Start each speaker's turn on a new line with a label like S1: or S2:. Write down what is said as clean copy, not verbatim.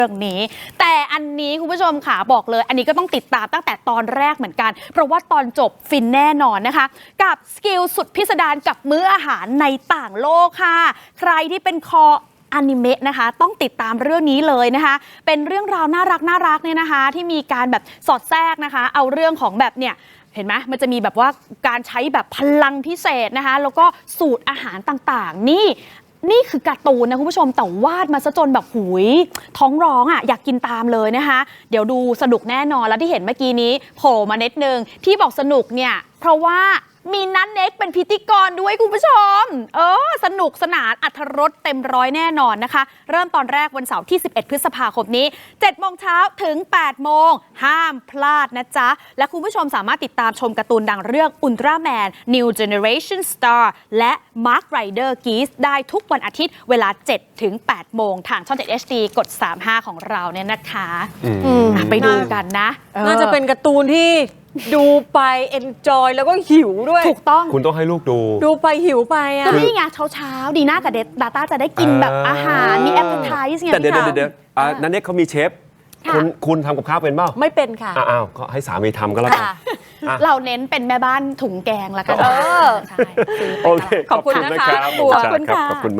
S1: เรื่องนี้แต่อันนี้คุณผู้ชมค่ะบอกเลยอันนี้ก็ต้องติดตามตั้งแต่ตอนแรกเหมือนกันเพราะว่าตอนจบฟินแน่นอนนะคะกับสกิลสุดพิสดารกับมื้ออาหารในต่างโลกค่ะใครที่เป็นคออนิเมะนะคะต้องติดตามเรื่องนี้เลยนะคะเป็นเรื่องราวน่ารักเนี่ยนะคะที่มีการแบบสอดแทรกนะคะเอาเรื่องของแบบเนี่ยเห็นไหมมันจะมีแบบว่าการใช้แบบพลังพิเศษนะคะแล้วก็สูตรอาหารต่างๆนี่คือการ์ตูนนะคุณผู้ชมแต่วาดมาซะจนแบบหุยท้องร้องอ่ะอยากกินตามเลยนะคะเดี๋ยวดูสนุกแน่นอนแล้วที่เห็นเมื่อกี้นี้โผล่มานิดนึงที่บอกสนุกเนี่ยเพราะว่ามีนัทเน็กเป็นพิธีกรด้วยคุณผู้ชมสนุกสนานอรรถรสเต็มร้อยแน่นอนนะคะเริ่มตอนแรกวันเสาร์ที่11พฤษภาคมนี้7โมงเช้าถึง8โมงห้ามพลาดนะจ๊ะและคุณผู้ชมสามารถติดตามชมการ์ตูนดังเรื่อง Ultraman New Generation Star และ Mark Rider Geese ได้ทุกวันอาทิตย์เวลา7ถึง8โมงทางช่อง7 HD กด35ของเราเนี่ยนะคะไปดูกันนะ
S2: น่าจะเป็นการ์ตูนที่ดูไปเอนจอยแล้วก็หิวด้วย
S1: ถูกต้อง
S3: คุณต้องให้ลูกดู
S2: ไปหิวไปอ่ะ
S1: ก็นี่ไงเช้าดีน่ากับดาต้าจะได้กินแบบอาหารมีแอปเปิลไทส์ไง
S3: แต่เดี๋ยวนันเน็กเขามีเชฟคุณทำกับข้าวเป็นเปล่า
S2: ไม่เป็นค่ะ
S3: อ้าวก็ให้สามีทำก็แล้วกัน
S1: เราเน้นเป็นแม่บ้านถุงแกงละกัน
S3: โอเค
S2: ขอบคุณนะคะ
S3: ขอบคุณค่ะ